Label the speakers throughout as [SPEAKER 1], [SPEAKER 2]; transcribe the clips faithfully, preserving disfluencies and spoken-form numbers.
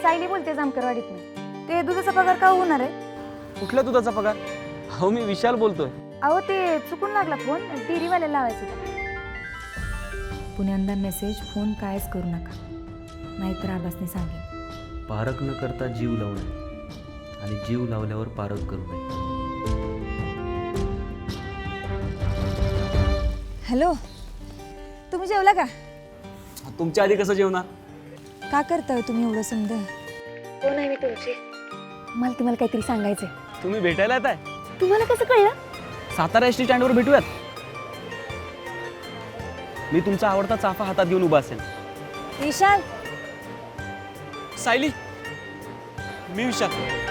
[SPEAKER 1] सायली बोलते जामकरवाडीतून. ते दुधाचा पगार का होणार आहे?
[SPEAKER 2] कुठल्या दुधाचा पगार? हो मी विशाल बोलतोय.
[SPEAKER 1] अहो ते चुकून लागला फोन, डेअरीवाल्याला लावायचं होतं. पुण्यांदा मेसेज फोन कायच करू नका, नाहीतर आबासने सांगेन.
[SPEAKER 2] पारख न करता जीव लावू नये आणि जीव लावल्यावर पारख करू नये.
[SPEAKER 1] हॅलो, तुम्ही जेवला का?
[SPEAKER 2] तुमच्या आधी कसं जेवणार?
[SPEAKER 1] का करताय तुम्ही एवढं समजा? कोण आहे मी तुमची? मला तुम्हाला काहीतरी सांगायचंय.
[SPEAKER 2] तुम्ही भेटायला येत आहे?
[SPEAKER 1] तुम्हाला कसं कळलं?
[SPEAKER 2] सातारा एस टी स्टँडवर भेटूयात. मी तुमचा आवडता चाफा हातात घेऊन उभा असेल.
[SPEAKER 1] विशाल.
[SPEAKER 2] सायली, मी विशाल.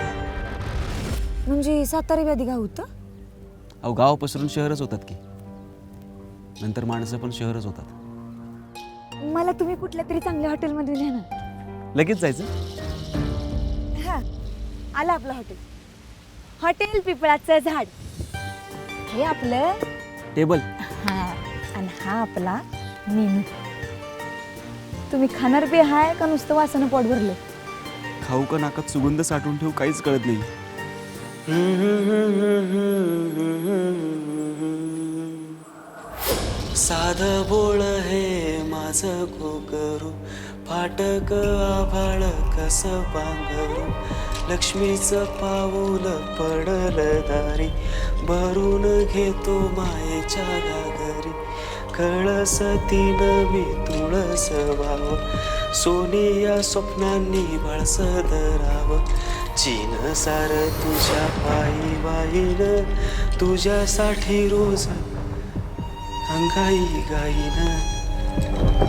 [SPEAKER 1] म्हणजे सातारा व्याधी गाव होतं?
[SPEAKER 2] अहो गाव पसरून शहरच होतात की, नंतर माणसं पण शहरच होतात.
[SPEAKER 1] मला तुम्ही कुठल्या तरी चांगल्या हॉटेलमध्ये न्या ना.
[SPEAKER 2] लगेच जायचं?
[SPEAKER 1] हा, आलं आपलं हॉटेल. हॉटेल पिपळाचं झाड. हे आपलं
[SPEAKER 2] टेबल.
[SPEAKER 1] हा, आणि हा आपला मेनू. तुम्ही खाणार बी हाय का नुसतं वासानं पोट भरलं?
[SPEAKER 2] खाऊ का नाकात सुगंध साठवून ठेवू काहीच कळत नाही. साध बोळ हे माझं घोगरू, फाटक आभाळ कस पांघरू, लक्ष्मीचं पाऊल पडल दारी, भरून घेतो मायेच्या घागरी, कळस तीन मी तुळस भाव, सोनी या स्वप्नांनी बळस धराव, चीन सार तुझ्या पायी वाईन, तुझ्यासाठी रोज अंगाई गाईन.